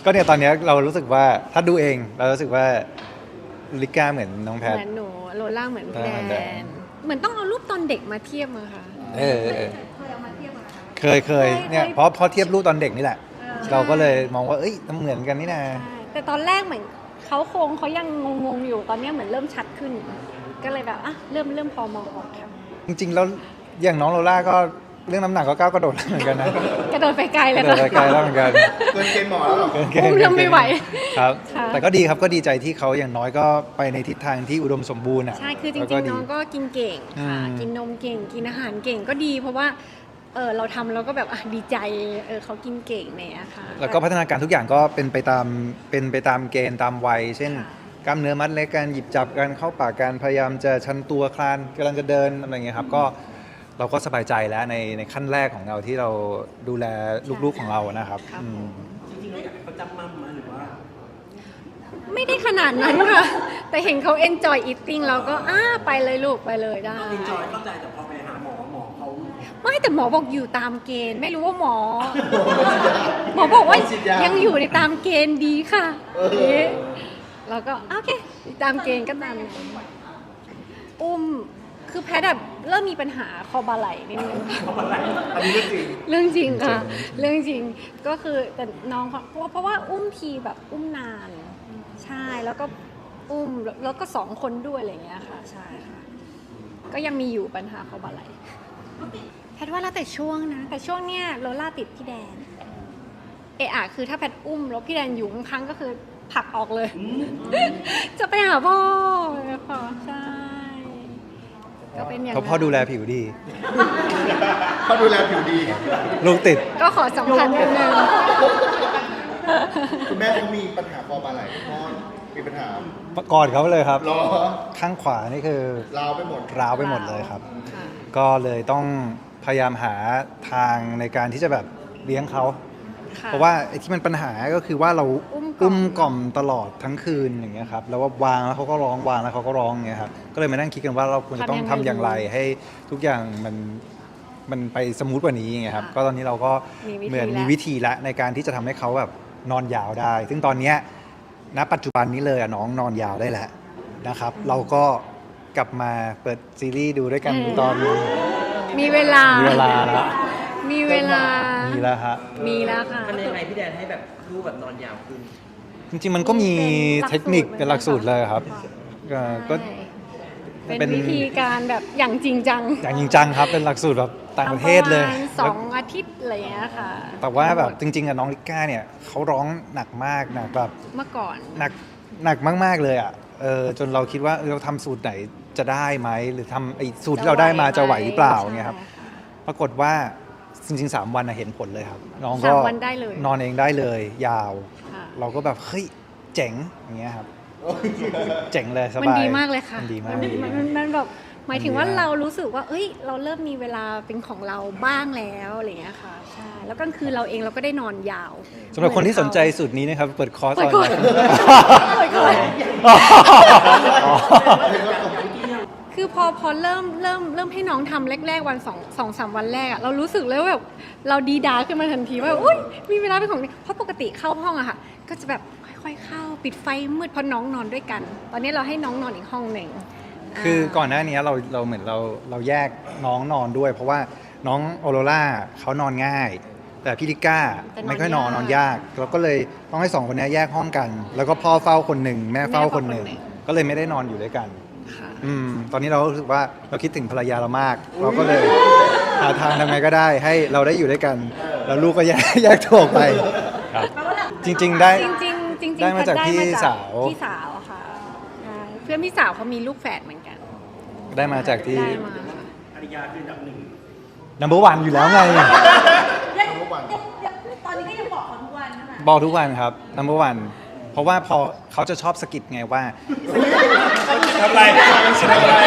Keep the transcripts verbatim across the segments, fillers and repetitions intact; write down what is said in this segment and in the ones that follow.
ก็เนี่ยตอนนี้เรารู้สึกว่าถ้าดูเองเรารู้สึกว่าลิก้าเหมือนน้องแพทเหมือนหนูโลล่าเหมือนพี่แดแดนเหมือนต้องเอารูปตอนเด็กมาเทียบมาค่ะเออเออเคยเอามาเทียบกันคะเคยเคยเนี่ยเพราะเพราะเทียบรูปตอนเด็กนี่แหละ เราก็เลยมองว่าเอ้ยมันเหมือนกันนี่นะใช่แต่ตอนแรกเหมือนเขาโครงเขายังงงๆอยู่ตอนนี้เหมือนเริ่มชัดขึ้น ก็เลยแบบอ่ะเริ่มเริ่มพอมองออกค่ะจริงๆแล้วอย่างน้องโลล่าก็เรื่องน้ำหนักก็ก้าวกระโดดแล้วเหมือนกันนะกระโดดไปไกลกเลยระโดดไปไกลแล้วเหมือนกันเกินเกณฑ์หมอแล้วเหรออุ้มเริ่มไม่ไหวครับค่ะแต่ก็ดีครับก็ดีใจที่เขาอย่างน้อยก็ไปในทิศทางที่อุดมสมบูรณ์อ่ะใช่คือจแล้วริก็งๆดีน้องก็กินเก่งค่ะอืมกินนมเก่งกินอาหารเก่งก็ดี เพราะว่าเออเราทำเราก็แบบอ่ะดีใจเออเขากินเก่งเนี่ยค่ะแล้วก็พัฒนาการทุกอย่างก็เป็นไปตามเป็นไปตามเกณฑ์ตามวัย เช่นค่ะกล้ามเนื้อมัดเล็กการหยิบจับการเข้าปากการพยายามจะชันตัวคลานกำลังจะเดินอะไรอย่างเงี้ยครับก็เราก็สบายใจแล้วในในขั้นแรกของเราที่เราดูแลลูกๆของเรานะครับครับอืมจริงๆเราอยากให้เขาจำมั่มมาหรือว่าไม่ได้ขนาดนั้นค่ะ แต่เห็นเขา enjoy eating เราก็อ้าไปเลยลูกไปเลยได้เอนจอยเข้าใจแต่พอไปหาหมอหมอเขาไม่แต่หมอบอกอยู่ตามเกณฑ์ ไม่รู้ว่าหมอ หมอบอกว่ายังอยู่ในตามเกณฑ์ดีค่ะนี่เราก็โอเคตามเกณฑ์ก็ตามนั้นอุ้มคือแพทย์แบบเริ่มมีปัญหาคอบ่าไหล่นิดนึงอันนี้เรื่องจริงเรื่องจริงค่ะ เรื่องจริงก็คือแต่น้องเขาเพราะว่าเพราะว่าอุ้มทีแบบอุ้มนาน ใช่แล้วก็อุ้มแล้วก็สองคนด้วยอะไรอย่างเงี้ยค่ะ ใช่ค่ะ ก็ยังมีอยู่ปัญหาคอบ่าไหล่แพทย์ว่าแล้วแต่ช่วงนะ แต่ช่วงเนี้ยโลล่าติดพี่แดน เอะอะคือถ้าแพทย์อุ้มแล้วพี่แดนอยู่ข้างๆก็คือผลักออกเลย จะไปหาพ่อค่ะใช่ก็เป็นอย่างเพนั้ราะนพ่อดูแลผิวดีเขาดูแลผิวดีลูกติดก็ขอสัมพันธ์นิดนึงคุณแม่เขามีปัญหาคอบ่าไหล่พ่อมีปัญหาก่อนเขาเลยครับรอข้างขวานี่คือลาวไปหมดร้าวไปหมดเลยครับค่ะก็เลยต้องพยายามหาทางในการที่จะแบบเลี้ยงเขาค่เพราะว่าไอ้ที่มันปัญหาก็คือว่าเราอุ้มกล่อมอุ้มกล่อมตลอดทั้งคืนอย่างเงี้ยครับแล้วว่าวางแล้วเขาก็ร้องวางแล้วเขาก็ร้องอย่างเงี้ยครับก็เลยมานั่งคิดกันว่าเราควรจะต้องทำอย่างไรให้ทุกอย่างมันมันไปสมูทกว่านี้อย่างเงี้ยครับก็ตอนนี้เราก็เหมือนมีวิธีละในการที่จะทำให้เขาแบบนอนยาวได้ ซึ่งตอนเนี้ยณปัจจุบันนี้เลยอะน้องนอนยาวได้แล้วนะครับ เราก็กลับมาเปิดซีรีส์ดูด้วยกันตอนมีเวลามีเวลาแล้วมีเวลามีแล้วฮะมีแล้วค่ะมันยังไงพี่แดนให้แบบลูกแบบนอนยาวขึ้นจริงๆมันก็มีเทคนิคเป็นหลักสูตรเลยครับก็ก็เป็นเป็นวิธีการแบบอย่างจริงจังอย่างจริงจังครับเป็นหลักสูตรแบบต่างประเทศเลยทำประมาณสองอาทิตย์อะไรอย่างเงี้ยค่ะแต่ว่าแบบจริงๆอะน้องลิก้าเนี่ยเขาร้องหนักมากหนักแบบเมื่อก่อนหนักหนักมากๆเลยอ่ะเออจนเราคิดว่าเออเราทำสูตรไหนจะได้ไหมหรือทำไอ้สูตรที่เราได้มาจะไหวหรือเปล่าเงี้ยครับใช่ะปรากฏว่าจริงๆสามวันอะเห็นผลเลยครับ น้องก็สามวันได้เลยนอนเองได้เลยยาวค่ะเราก็แบบเฮ้ยเจ๋งอย่างเงี้ยครับเจ๋งเลยสบายมันดีมากเลยค่ะมันดีมากนมันมันมันแบบหมายถึงว่ามันดีมากเรารู้สึกว่า เอ้ย เราเริ่มมีเวลาเป็นของเราบ้างแล้วอะไรอย่างเงี้ยค่ะ ใช่ แล้วกลางคืนเราเองเราก็ได้นอนยาวสำหรับคนที่สนใจสูตรนี้นะครับเปิดคอร์สเปิดออนก่อนไลน์เปิดก่อนอ๋อคือพอพอเริ่มเริ่มเริ่มให้น้องทำแรกๆวันสองสองสามวันแรกอะเรารู้สึกเลยว่าแบบเราดีดาขึ้นมาทันทีว่าอุ้ยมีเวลาเป็นของตัวเองเพราะปกติเข้าห้องอะค่ะ ก็จะแบบค่อยๆเข้าปิดไฟมืดเพราะน้องนอนด้วยกัน ตอนนี้เราให้น้องนอนอีกห้องหนึ่งคือก่อนหน้านี้เราเราเหมือนเราเราแยกน้องนอนด้วย เพราะว่าน้องออโรล่าเขานอนง่าย แต่พี่ลิก้าไม่ค่อยนอนนอนยากเราก็เลยต้องให้สองคนนี้แยกห้องกัน แล้วก็พ่อเฝ้าคนหนึ่งแม่เฝ้าคนหนึ่งก็เลยไม่ได้นอนอยู่ด้วยกันค่ะอืมตอนนี้เรารู้สึกว่าเราคิดถึงภรรยาเรามาก เราก็เลยหาทางทำไงก็ได้ให้เราได้อยู่ด้วยกัน แล้วลูกก็แยกแยกตัวออกไปครับจริง ๆ ได้จริงๆจริงๆได้มาจากได้พี่สาวพี่สาวค่ะใช่เพื่อนพี่สาวเขามีลูกแฝดเหมือนกันได้มาจากที่ได้มาภรรยาคืออันดับหนึ่ง number one อยู่แล้วไงทุกวันตอนนี้ก็ยังบอกเขาทุกวันใช่ไหมบอกทุกวันครับ number one เพราะว่าพอเขาจะชอบสะกิดไงว่าทำไรทำไร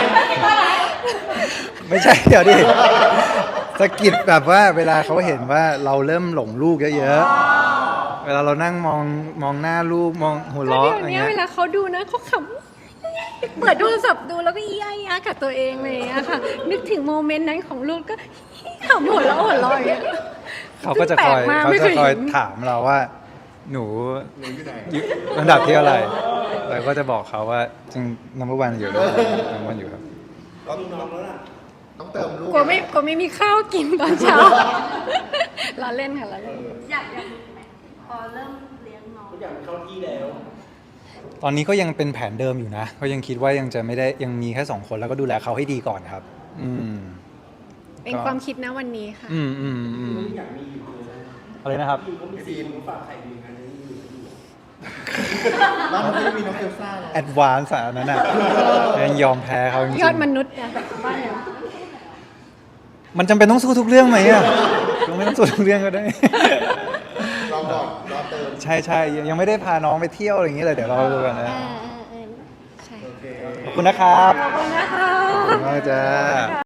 ไม่ใช่เดี๋ยวดิสะกิดแบบว่าเวลาเขาเห็นว่าเราเริ่มหลงลูกเยอะๆ เวลาเรานั่งมองมองหน้าลูกมองหัวก็เราะเดี๋ยวอะไรนี้เงี้เวย ลาเขาดูนะเขาขำเปิดโทรศัพท์ดูแล้วก็อี้อ้ายกับตัวเองเลยอะค่ะ นึกถึงโมเมนต์นั้นของลูกก็ขำหัวเราะหัวเราะอย่างเงี้ยเขาก็จะคอยแปลกมากเขาไม่จะเคยคอยเห็นถามเราว่าหนูหนูอยู่ไหนอยู่ลำดับที่อะไรเราก็จะบอกเขาว่าจริงนัมเบอร์วันอยู่นัมเบอร์วันอยู่ครับต้องต้องเติมลูกกลัวไม่กลัวไม่มีข้าวกินตอนเช้า ล้อเล่นค่ะล้อเล่นอยากอยากรู้ไหมพอเริ่มเลี้ยงน้องทุกอย่างมันเข้าที่แล้วตอนนี้ก็ยังเป็นแผนเดิมอยู่นะก็ยังคิดว่ายังจะไม่ได้ยังมีแค่สองคนแล้วก็ดูแลเขาให้ดีก่อนครับ อืมเป็นความคิดนะวันนี้ค่ะอืมอืมอืมอยากมีอยู่เลยอะไรนะครับอยู่ก็มีซีนมาฝากไข่ดีกันนี้อยู่อยู่บ้านมันไม่ได้มีน้องเอลซ่าหรอแอดวานซ์อันนั้นอ่ะยังยอมแพ้เขาจริงยอดมนุษย์นะบ้านเนี่ยๆมันจำเป็นต้องสู้ทุกเรื่องไหมอ่ะก็ไม่ต้องสู้ทุกเรื่องก็ได้รอก่อนรอเติมใช่ใช่ยังยังไม่ได้พาน้องไปเที่ยวอะไรอย่างนี้เลยเดี๋ยวรอดูกันนะเออเออเออใช่โอเคขอบคุณนะครับขอบคุณนะคะขอบคุณมากจ้า